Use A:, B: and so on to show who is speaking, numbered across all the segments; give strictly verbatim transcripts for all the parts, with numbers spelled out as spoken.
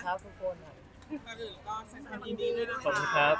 A: ครับทุกคนครับ
B: ก่อนอื่นก็แสดงความยินดีด้วยนะคะ
A: ขอบคุณครับ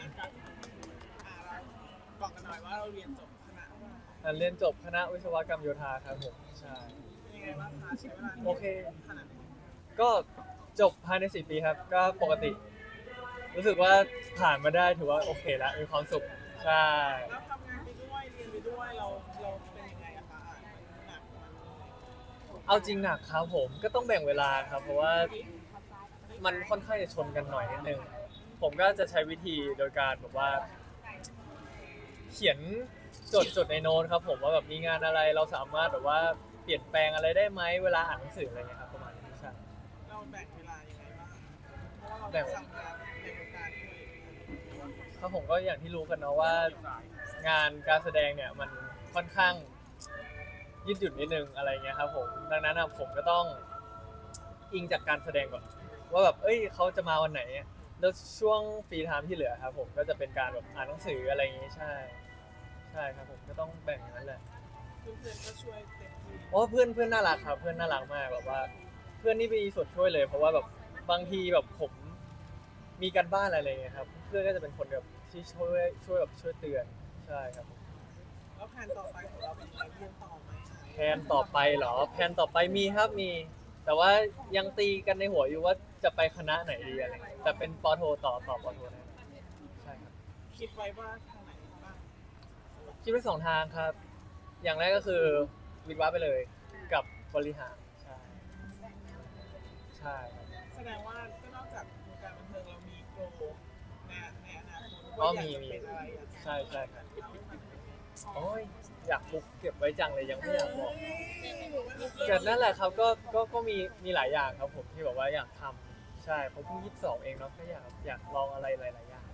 B: บอกกันหน่อยว่าเราเรียนจบคณะว่า
A: อ่ะเรียนจบคณะวิศวกรรมโยธาครับผมใช่
B: เป็นยังไงบ้างคะใช้เวลา
A: โอเค
B: ขนาดไหน
A: ก็จบภายในสี่ปีครับก็ปกติ รู้สึกว่าผ่านมาได้ถือว่าโอเคแล้วมีความสุขใช่
B: แล้วทำงานไปด้วยเรียนไปด้วยเราเราเป็นยังไงอะคะอ่านหนักมัน
A: เอาจริงหนักครับผมก็ต้องแบ่งเวลาครับเพราะว่ามันค่อนข้างจะชนกันหน่อยนิดนึงผมก็จะใช้วิธีโดยการแบบว่า เขียนจดจดในโน้ตครับผมว่าแบบมีงานอะไรเราสามารถแบบว่าเปลี่ยนแปลงอะไรได้ไหมเวลาอ่านหนังสืออะไรเงี้ยครับประมาณนี้ใช่
B: เราแบ่งเวลายังไงบ้างเพราะว่าเราต้องทำงานในวงการด้วย
A: ครับผมก็อย่างที่รู้กันเนาะว่างานการแสดงเนี่ยมันค่อนข้างยืดหยุ่นนิดนึงอะไรเงี้ยครับผมดังนั้นอะผมก็ต้องอิงจากการแสดงก่อนว่าแบบเอ้ยเขาจะมาวันไหนแล้วช่วงฟรีไทม์ที่เหลือครับผมก็จะเป็นการแบบอ่านหนังสืออะไรอย่างงี้ใช่ใช่ครับผมก็ต้องแบ่งอย่างนั้นแหละ
B: เพื่อนๆก็ช่วยเต็มที่
A: เพราะว่าเพื่อนเพื่อนน่ารักครับเพื่อนน่ารักมากแบบว่า เพื่อนนี่มีส่วนช่วยเลย เพราะว่าแบบบางทีแบบผมมีการบ้านอะไรเงี้ยครับเพื่อนก็จะเป็นคนแบบที่ช่วยช่วยแบบช่วยเตือนใช่ครับ
B: แล้วแผนต่อไปของเราเป็นยังไงเรียนต่อไหม
A: แพลนต่อไปเหรอแพลนต่อไปมีครับมี แต่ว่ายังตีกันในหัวอยู่ว่าจะไปคณะไหนดีอะไรเงี้ยแต่เป็นปอโทต่อต่อปอโทนะใช่ครับ
B: คิดไว้ว่าทางไหนบ้าง
A: คิดไว้สองทางครับ อย่างแรกก็คือวิทย์วะไปเลยกับบริหารใช่ใช่ครับ
B: แสดงว่าก็นอกจากวงการบันเทิงเรามีโกในในอนาคต
A: ก็
B: ว่าอยาก
A: มี
B: จะ
A: มี
B: เป็นอะไรอยากจะ
A: ใช่ใช่ครับโอ้ยอยากฟุกเก็บไว้จังเลยยังไม่อยากบอกเกิดนั่นแหละครับก็ก็ก็มีมีหลายอย่างครับผมที่แบบว่าอยากทำใช่ผมเพิ่งยี่สิบสองเองเนาะก็อยากอยากลองอะไรหลายๆอย่าง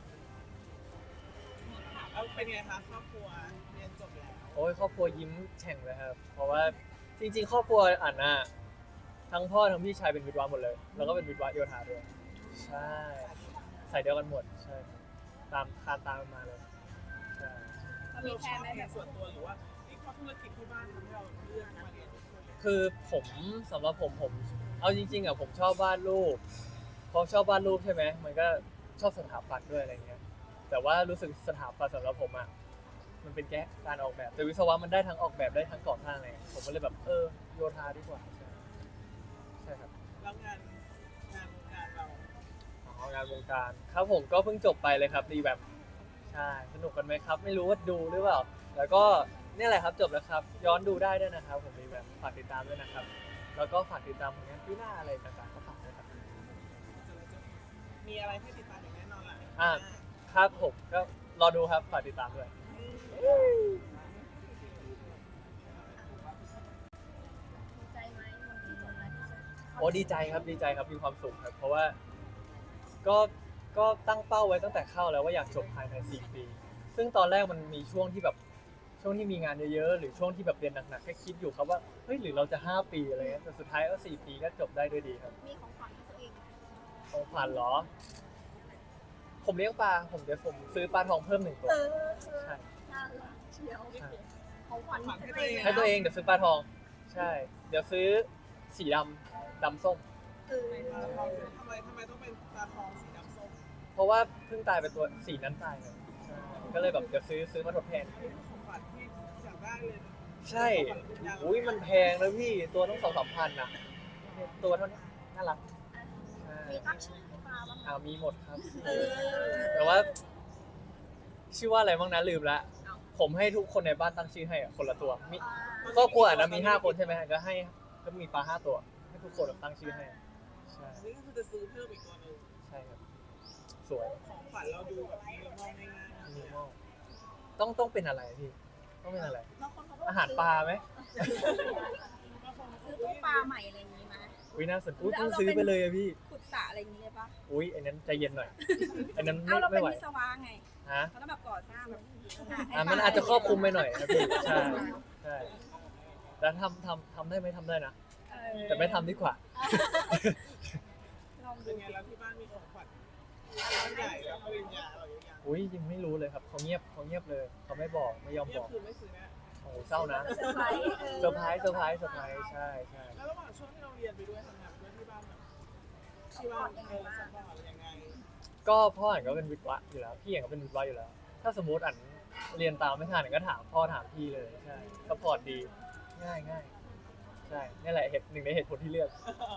B: แล้วเป็นไงคะครอบครัวเรียนจบแล้ว
A: โอ้ยครอบครัวยิ้มแฉ่งเลยครับ เพราะว่าจริงๆ ครอบครัวอ่านน่ะทั้งพ่อทั้งพี่ชายเป็นวิศวะหมดเลย แล้วก็เป็นวิศวะโยธาด้วยใช่ใส่เดียวกันหมดใช่ครับตามคานตามกันมาเลยใช่
B: ถ้าเราชอบเรียนส่วนตัวหรือว่านี่เพราะธุรกิจที่บ้านทำให้เราเลือกมาเรียนวิศวะ
A: คือผมสำหรับผมผมเอาจริงๆอ่ะผมชอบวาดรูปพอชอบวาดรูปใช่ไหมมันก็ชอบสถาปัตย์ด้วยอะไรเงี้ยแต่ว่ารู้สึกสถาปัตย์สำหรับผมอ่ะมันเป็นแค่การออกแบบแต่วิศวะมันได้ทั้งออกแบบได้ทั้งก่อสร้างเลยผมก็เลยแบบเออโยธาดีกว่าใช่ใช่ครับ
B: แล้วงานงานวงการเรา
A: อ๋องานวงการครับผมก็เพิ่งจบไปเลยครับรีแบบใช่สนุกกันไหมครับ ไม่รู้ว่าดูหรือเปล่าแล้วก็เนี่ยแหละครับจบแล้วครับ ย้อนดูได้ด้วยนะครับ ผมรีแบบฝากติดตามด้วยนะครับ แล้วก็ฝากติดตามผลงานปีหน้าอะไรต่างๆก็ฝากด้วยครับ
B: มีอะไรให้ติดตามอย่างแน่นอนแหละ
A: อ่าครับผมก็รอดูครับฝากติดตามด้วย
C: ดีใจไหมวันที่จบแล้วที่สุด
A: โอ้ดีใจครับดีใจครับมีความสุขครับ เพราะว่าก็ก็ตั้งเป้าไว้ตั้งแต่เข้าแล้วว่าอยากจบภายในสี่ปี ซึ่งตอนแรกมันมีช่วงที่แบบช่วงที่มีงานเยอะๆหรือช่วงที่แบบเรียนหนักๆแค่คิดอยู่ครับว่าเฮ้ยหรือเราจะห้าปีอะไรเงี้ยแต่สุดท้ายก็สี่ปีก็จบได้ด้วยดีครับ
C: มีของขวัญให้ตัวเองไหม
A: ของขวัญเหรอ ผมเลี้ยงปลาผมเดี๋ยวผมซื้อปลาทองเพิ่มหนึ่งตัว
C: เออ
A: ใช่
C: น่ารักเชียว
A: ใช่
C: ของขวัญให้ตัวเอง
A: ให้ตัวเองเดี๋ยวซื้อปลาทอง ใช่ เดี๋ยวซื้อสีดำดำส้ม
C: เออ
B: ทำไมทำไมต้องเป็นตาทองสีดำส้ม
A: เพราะว่าเพิ่งตายไปตัวสีนั้นตายเลยใช่ก็เลยแบบเดี๋ยวซื้อซื้อมาทดแทน
B: เป็นของขวัญที่อยากได้เลย
A: ใช่ อุ้ยมันแพงนะพี่ ตัวต้องสองสามพันนะตัวเท่านี้น่ารักใช่
C: มีตั้งชื่อให้มาบ้างไหม
A: อ่ามีหมดครับ
C: เออ
A: แต่ว่า ชื่อว่าอะไรบ้างนะลืมละผมให้ทุกคนในบ้านตั้งชื่อให้อะคนละตัวมีครอบครัวอะนะมีห้าคนใช่ไหมก็ให้ก็มีปลาห้าตัว ให้ทุกคนตั้งชื่อให้ใช่
B: นี่ก็คือจะซื้อเพิ่มอีกตัวหนึ่ง
A: ใช่ครับ สวย
B: ของขวัญเราดูแบบมีมองง่ายๆ
A: มินิมอลต้องต้องเป็นอะไรพี่ ต้องเป็นอะไร
C: บางคนเขาบอก
A: อาหารปลาไหม
C: ซื้อตู้ปลาใหม่อะไรอย่างนี้ไหม
A: อุ้ยน่าสนอุ้ยเพิ่งซื้อไปเลยอะพี่
C: ขุดสระอะไรอย่างนี้เลยปะ
A: อุ้ยอันนั้นใจเย็นหน่อย อันนั้น
C: เอา
A: ไม่
C: เราเป็
A: ไม่
C: น
A: ไหว
C: วิศวะไง
A: ฮะ
C: เขาต้องแบบก่อสร้างแบบ
A: อ่ะมันอาจจะครอบคลุมไปหน่อยนะพี่ ใช่ ใช่ แต่ทำทำทำได้ไหมทำได้นะ
C: เออ
A: แต่ไม่ทำดีกว่า
C: ลอง
B: เป็
C: ดู
B: นไงแล้วที่บ้านมีของขวัญร้านใหญ่แล้วปริญญาเราอย่าง
A: อุ้ยยังไม่รู้เลยครับเขาเงียบเขาเงียบเลยเขาไม่บอกไม่ยอม
B: เงีย
A: บบ อก
B: คือไม่ซื้อนะ
A: โอ้โหเศร้านะ
C: เซอร์ไพรส์
A: เซอร์ไพรส์เซอร์ไพรส์เซอร์ไพรส์ใช่ใช่
B: แล้วระหว่างช่วงที่เราเรียนไปด้วยทำงานไปด้วยที่บ้านแบบที่ว่าเออสปอร์ตยังไง
A: ก็พ่ออ่านก็เป็นวิทย์วะอยู่แล้วพี่อ่านก็เป็นวิทย์วะอยู่แล้ว ถ้าสมมติอ่านเรียนตามไม่ทันอ่านก็ถามพ่อถามพี่เลยใช่สปอร์ตดีง่ายง่ายใช่นี่แหละเหตุหนึ่งในเหตุผลที่เลือก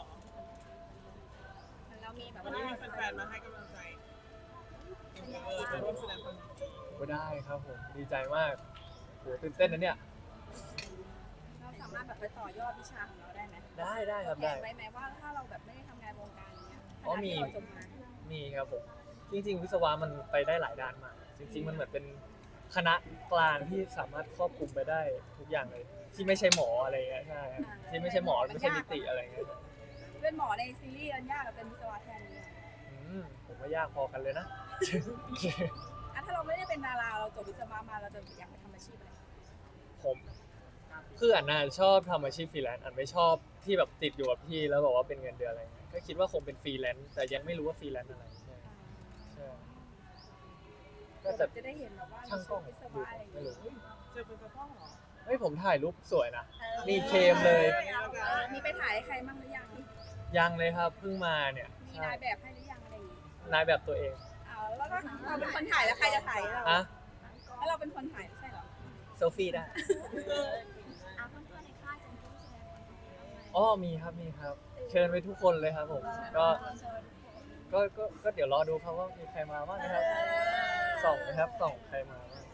C: เรามีแบบ
B: วัน
C: ว่า
B: นี้มีแฟนๆมาให้กำลังใจเออมาร่วมแสดงความยินดี
A: ก็ได้ครับผมดีใจมากโหตื่นเต้นนะเนี่ย
C: เราสามารถแบบไปต่อยอดวิชาของเราได้ไหม
A: ได้ได้ครับ
C: แผ
A: ได้
C: นไว้ไหมว่าถ้าเราแบบไม่ได้ทำงานวงการเนี้ย
A: อ๋อมี
C: ขณะที่เราจบมา
A: มีครับผมจริงๆ วิศวะมันไปได้หลายด้านมากจริง ๆ มันเหมือนเป็นคณะกลางที่สามารถครอบคลุมไปได้ทุกอย่างเลย ที่ไม่ใช่หมออะไรเงี้ยใช่ครับที่ไม่ใช่หมอไม่ใช่นิติอะไรเงี้ย
C: เป็นหมอในซีรีส์อันยากกับเป็นวิศวะแทนเนี่ย
A: อืมผมว่ายากพอกันเลยนะ
C: อ่ะถ้าเราไม่ได้เป็นดาราเราจบวิศวะมาเราจะอยากไปทำอาชีพอะไร
A: ผมคืออันน่ะชอบทำอาชีพฟรีแลนซ์อันไม่ชอบที่แบบติดอยู่กับที่แล้วบอกว่าเป็นเงินเดือนอะไรเงี้ยก็คิดว่าคงเป็นฟรีแลนซ์แต่ยังไม่รู้ว่าฟรีแลนซ์อะไรใช่ใช่ก็
C: ก็
A: จะ
C: จะได้เห็นแบบว่า
A: ช่างกล้อง
C: วิศ
A: ดู
C: วะอะไรอย่าง
A: ไม่
C: เงี้ย
A: รู้
B: เจอเป็นพ่อเหรอ
A: เฮ้ยผมถ่ายรูปสวยนะ
C: ออ
A: มีเคมเลย
C: เออมีไปถ่ายให้ใครบ้างหรือยัง
A: ยังเลยครับเพิ่งมาเนี่ย
C: มี
A: ใช่
C: นายแบบให้หรือยังอะไรอย่างงี้
A: นายแบบตัวเอง
C: เอาแล้วก็เราเป็นคนถ่ายแล้วใครจะถ่ายให้เรา
A: อะ
C: แล้วเราเป็นคนถ่ายไม่ใช่เหรอ
A: เซลฟี่ได้
C: อ่ะเพื่อนๆในค่ายจะมีผู้แสดงความคิดเห็นบ้างไหม
A: อ๋อมีครับมีครับ เชิญไปทุกคนเลยครับผมก็ก็ก็ก็เดี๋ยวรอดูครับว่ามีใครมาบ้างนะครับส่องนะครับส่องใครมาบ้าง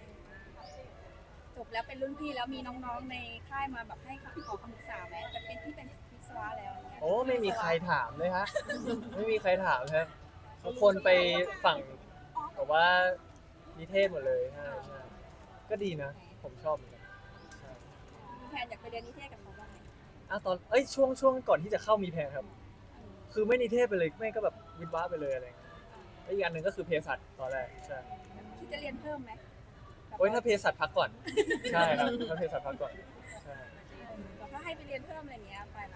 C: จบแล้วเป็นรุ่นพี่แล้วมีน้องๆในค่ายมาแบบให้ขอคำปรึกษาไหมแต่เป็นที่เป็นวิศวะแล้วอย่างเงี้ย
A: โอ้ไม่มีใครถามเลยฮะไม่มีใครถามครับทุกคนไปฝั่งแบบว่านิเทศหมดเลยใช่ใช่ก็ดีนะ ผมชอบเหมือนกันใช่
C: มีแผนอยากไปเรียนนิเทศกับเขาบ้างไหม
A: อ่ะตอนเอ้ยช่วงช่วงก่อนที่จะเข้ามีแพลนครับ คือไม่นิเทศไปเลยไม่ก็แบบวิทย์วะไปเลยอะไรเงี้ยแล้วอีกอันหนึ่งก็คือเภสัชตอนแรกใช่
C: คิดจะเรียนเพิ่มไหม
A: โอ้ยถ้าเภสัชพักก่อนใช่ครับถ้าเภสัชพักก่อนใช่
C: แบบถ้าให้ไปเรียนเพิ่มอะไรเงี้ยไปนะ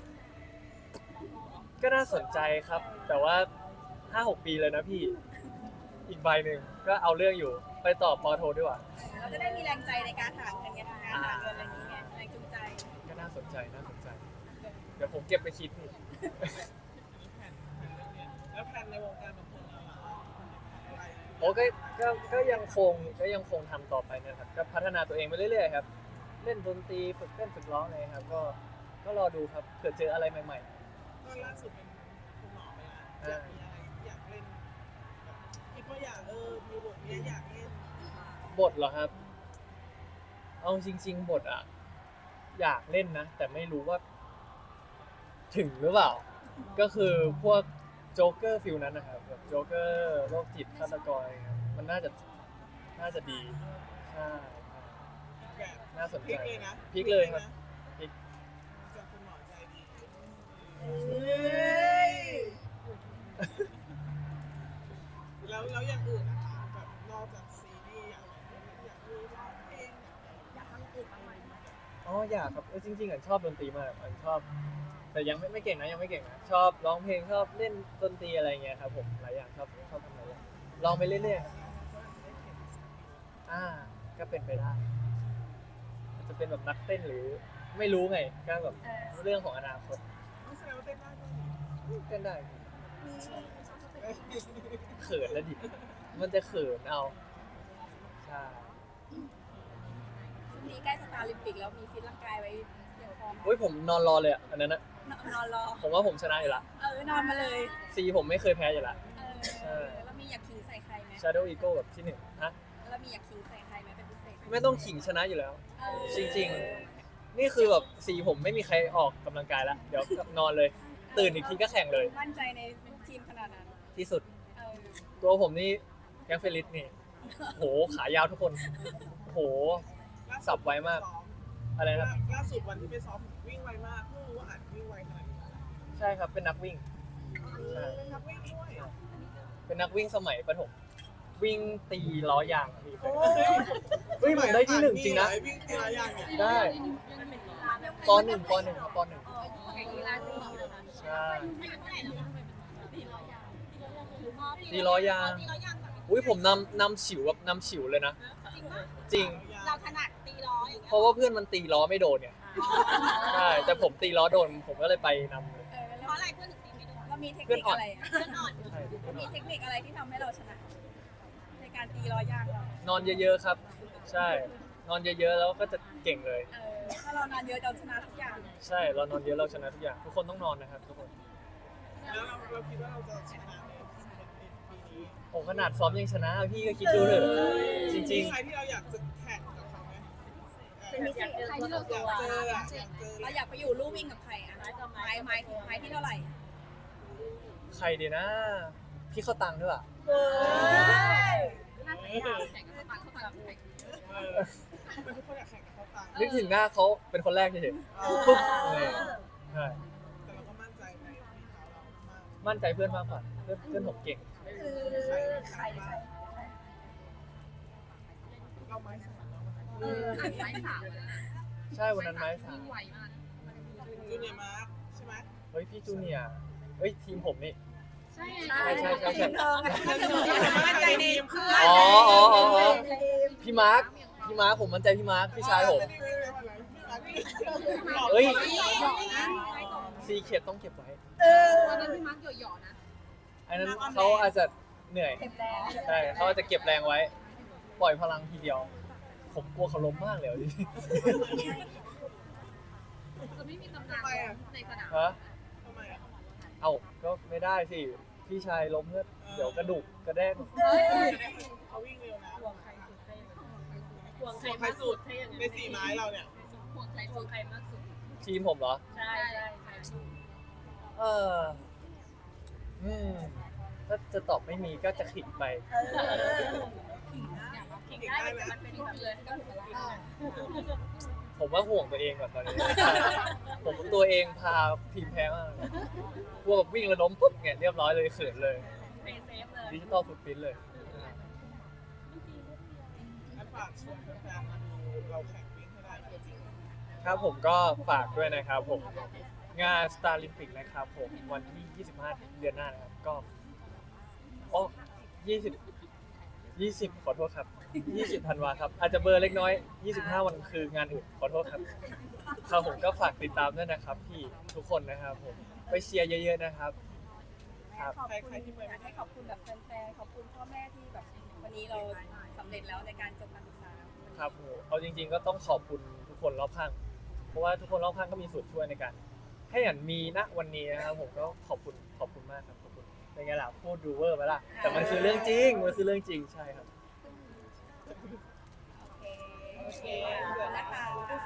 A: ก็น่าสนใจครับ แต่ว่าห้าหกปีเลยนะพี่ อีกใบหนึ่งก็เอาเรื่องอยู่ไปต่อปอโทดีกว่า
C: เราจะได้มีแรงใจในการหาเงินไงทำงานหาเงินอะไรอย่างเงี้ยแรงจูงใจ
A: ก็น่าสนใจน่าสนใจ เดี๋ยวผมเก็บไปคิดพี่
B: แล้วแผนในวงการบันเทิงเราล่ะอะไร
A: โอ้ก็ก็ก็ยังคงก็ยังคงทำต่อไปนะครับก็พัฒนาตัวเองไปเรื่อยๆครับเล่นดนตรีฝึกเต้นฝึกร้องอะไรครับก็ก็รอดูครับเผื่อเจออะไรใหม่
B: ก็ล่าสุดเป็นคุณหมอไปแล้วอยากมีอะไรอยากเล่นแบบคิดว่าอยากเออมีบทเนี้ยอยากเล่น
A: ๆ บทเหรอครับ เอาจริง ๆ บทอ่ะ อยากเล่นนะ แต่ไม่รู้ว่า ถึงหรือเปล่า ก็คือพวกโจ๊กเกอร์ฟิลนั้นนะครับแบบโจ๊กเกอร์โรคจิตฆาตกรอะไรเงี้ยมันน่าจะน่าจะดีใช่
B: แบบ
A: น่าสน
B: พ
A: ใจ
B: ลิกเลยนะ
A: พลิกเลยครับพลิก
B: จากคุณหมอใจดีแล้วแล้วอย่างอื่นนะคะแบบนอกจากซีรีส์อยากอยากมีร้องเพลง
C: อยากทำอื่นบ้างไหม
A: อ๋ออยากครับเออจริงๆอ่ะชอบดนตรีมากอันชอบ แต่ยังไม่ไม่เก่งนะยังไม่เก่งนะชอบร้องเพลงชอบเล่นดนตรีอะไรเงี้ยครับผมหลายอย่างชอบชอบทำหลายอย่างลองไปเรื่อยๆอ่าก็เป็นไปได้อาจจะเป็นแบบนักเต้นหรือไม่รู้ไงก็แบบ
C: เออ
A: เรื่องของอนาคต
B: ไม่แสดงว่าเต้นได้ด้วย
A: เต้นได้
C: มีชอบสเต็ป
A: เขินแล้วดิมันจะเขินเอาใช่
C: ช่วงนี้ใกล้สตาร์ลิมปิกแล้วมีฟิตร่างกายไว้เตรียมพร้อม
A: เฮ้ยผมนอนรอเลยอ่ะอันนั้นนะ
C: นอนรอ
A: ผมว่าผมชนะอยู่ละ
C: เออนอนมาเลย
A: ซีผมไม่เคยแพ้อยู่ละ
C: เออแล้วมีอยากขิงใส่ใครไหม
A: Shadow Ego แบบที่หนึ่งฮะ
C: แล้วมีอยากขิงใส่ใครไหมเป็นพิเศษ
A: ไม่ต้องขิงชนะอยู่แล้ว
C: เออ
A: จริงๆ นี่คือแบบสีผมไม่มีใครออกกำลังกายแล้ว เดี๋ยวนอนเลย ตื่นอีกทีก็แข่งเลย
C: มั่นใจในทีมขนาดนั้น
A: ที่สุด
C: เออ
A: ตัวผมนี่แก๊งเฟลิสนี่ โห ขายาวทุกคน โห สับไวมาก อะไรนะ
B: ล่าสุดวันที่ไปซ้อมวิ่งไวมากเพิ่งรู้ว่าอัดวิ่งไวขนาดนี้
A: ใช่ครับ เป็นนักวิ่ง ใช่
B: เป็นนักวิ่งด้วย
A: เป็นนักวิ่งสมัยประถม วิ่งตีล้อยางอะพี่เคยเฮ้ยผมได้ที่หนึ่งจริงนะ
B: วิ่งทีละอย่างเนี่ย
A: ได้ปหนึ่งปหนึ่งปหนึ่ง
C: แข่งกีฬาสีนะคะ
A: ใช่ตีล้อยาง อุ้ยผมนำนำฉิวแบบนำฉิวเลยนะ จริง
C: เราถนัดตีล้ออย่างเงี้ย
A: เพราะว่าเพื่อนมันตีล้อไม่โดนเนี่ย ใช่ แต่ผมตีล้อโดน ผมก็เลยไปนำเลย
C: เออเพราะอะไรเพื่อนถึงตีไม่โดนเรามีเทคนิคอะไรอะ
A: ใช่
C: มีเทคนิคอะไรที่ทำให้เราชนะ ในการตีร้อยยางเรา
A: นอนเยอะๆครับ ใช่ นอนเยอะๆแล้วก็จะเก่งเลย
C: เออถ้าเรานอนเยอะเราชนะทุกอย่าง
A: ใช่เรานอนเยอะเราชนะทุกอย่างทุกคนต้องนอนนะครับทุกคน
B: แล้วเราเราคิดว่าเราจะชนะในปีนี้
A: โอ้ขนาดซ้อมยังชนะพี่ก็คิดดูเถอะจริง
B: มีใครที่เราอยากจะแข่งกับเขาไหม
C: เป็นมิสิใครที่เรา
B: อยากเจออะอยากเจอ
C: เราอยากไปอยู่ลู่วิ่งกับใครอะไม้ไม้ไม้ไม้ที่เท่าไหร่
A: ๆ ใครดีนะ พี่เข้าตังค์ด้วยอ่ะ
C: เฮ้ย
B: น่าจะอยากแข่งกับเขาตังเขาตังเออเป็นทุกคนอยากแข่งกับเขาตัง
A: นึกถึงหน้าเขาเป็นคนแรกเฉย
B: เอ
A: ๆ
B: อ
A: ปุ๊บเลยใช่
B: แต่เราก็มั่นใจในฝีเท้าเรามาก
A: มั่นใจเพื่อนมากกว่าเพื่อนเพื่อนผมเก่ง
C: คือใครใคร
B: เราไม้สามเรา
C: เออ
D: ไม้สามแล้วนะ
A: ใช่วันนั้นไม้สาม
D: วิ่งไวมาก
B: จูเนียร์มาร์คใช่ไหม
A: เฮ้ยพี่จูเนียร์เฮ้ยทีมผมนี่
D: ใช่
C: ใช่
A: ใช่ใช่ใช่
C: ทีมเธอไงก็คือมั่นใจในเพื่อน
A: อ๋ออ๋ออ๋ออ๋อพี่มาร์คพี่มาร์คผมมั่นใจพี่มาร์คพี่ชายผม เฮ้ย ซีเขียดต้องเก็บไว้
C: เออ
D: วันนั้นพี่มาร์คหยอๆนะ
A: อันนั้นเขาอาจจะเหนื่อย
C: เก็บแรง
A: ใช่เขาอาจจะเก็บแรงไว้ ปล่อยพลังทีเดียว ผมกลัวเขาล้มมากเลยอ่ะ
D: จะไม่มีตำนานในสนาม
A: ฮะ
B: ทำไมอ่ะ
A: เอาก็ไม่ได้สิ พี่ชายล้มเพื่อเดี๋ยวกระดูกกระแดก
B: เขาวิ่งเร็วนะ
D: ห่วงใครสุดใครห่วงใคร
B: ใคร
D: มาก
B: สุ
D: สุ
B: ด
D: ดใช่ยังไง
B: ในสี่ไม้เราเนี่ย
D: ห่วงใครห่วงใครมากสุด
A: ทีมผมเหรอ
D: ใช่ใช่ใช่
A: เออ อืม ถ้าจะตอบไม่มีก็จะขิงไป
C: เออ
D: ขิงได้แต่มันเป็นแบบเลยก็ถือว่า
A: ผมว่าห่วงตัวเองก่อนตอนนี้ ผมตัวเองพาทีมแพ้มากเลยกลัวแบบวิ่งแล้วล้มปุ๊บเนี่ยเรียบร้อยเลยเขินเลย
D: เป็นเซฟเลย
A: ดิจิตอลฟุตปรินท์เลย
B: อันฝากชวนแฟนๆมาดูเราแข่งวิ่งให้ได้นะจริง
A: ครับผมก็ฝากด้วยนะครับผม งาน Star Olympic นะครับผมวันที่ ยี่สิบห้า เดือนหน้านะครับ ก็อ๋อยี่สิบ ยี่สิบ ขอโทษครับ ยี่สิบ ธันวาครับ อาจจะเบลอร์เล็กน้อย ยี่สิบห้า วันคืองานอื่น ขอโทษครับ ครับผมก็ฝากติดตามด้วยนะครับพี่ทุกคนนะครับผม ไปเชียร์เยอะๆนะครับ ครับ
C: ขอบคุณอยากให้ขอบคุณแบบแฟนๆ ขอบคุณพ่อแม่ที่แบบวันนี้เราสำเร็จแล้วในการจบการศึกษา
A: ครับผมเอาจริงๆก็ต้องขอบคุณทุกคนรอบข้าง เพราะว่าทุกคนรอบข้างก็มีส่วนช่วยในการ ให้อย่างมีณวันนี้นะครับผมก็ขอบคุณขอบคุณมากครับขอบคุณเป็นไงล่ะพูดดูเวอร์ไปล่ะแต่มันคือเรื่องจริงมันคือเรื่องจริงใช่ครับ
C: โอเคขอบคุณนะคะ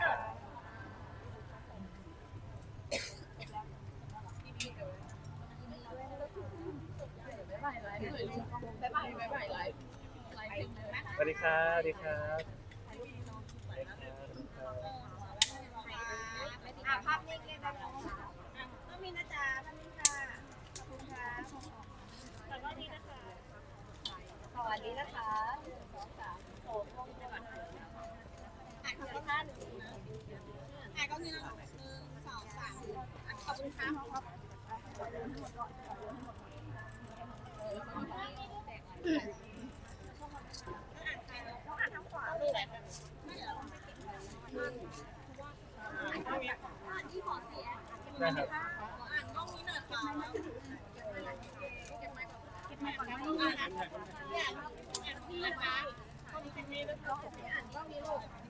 D: บ๊ายบายไลฟ์เลยบ๊ายบายบ๊ายบายไลฟ์ไลฟ์ถึงเลยนะ
A: สวัสดีครับสวัสดีครับสวัสดีครับ
C: อ่ะภาพนิ่งเลยนะคะอ่ะต้องมีนะจ๊ะภาพนิ่งค่ะ ขอบคุณค่ะสวัสดีนะคะ สวัสดีนะคะหนึ่งสองสามโอ้มองไปก่อนอ่ะขอบคุณค่ะหนึ่งนะอ่ะก็มีนะหนึ่งสองสามอ่ะขอบคุณค่ะต้องอ่านทางขวาเลยแหละไม่เดี๋ยวเราไม่เก็บแล้วอ่านที่ขอเสีย
A: ได้ครับ
C: อ่านกล้องนี้หน่อยค่ะเก็บไม้ก่อนเก็บไม้ก่อนนะอ่านเนี่ยอ่านที่นะคะคนที่มีแล้วก็อ่านกล้องนี้ลูก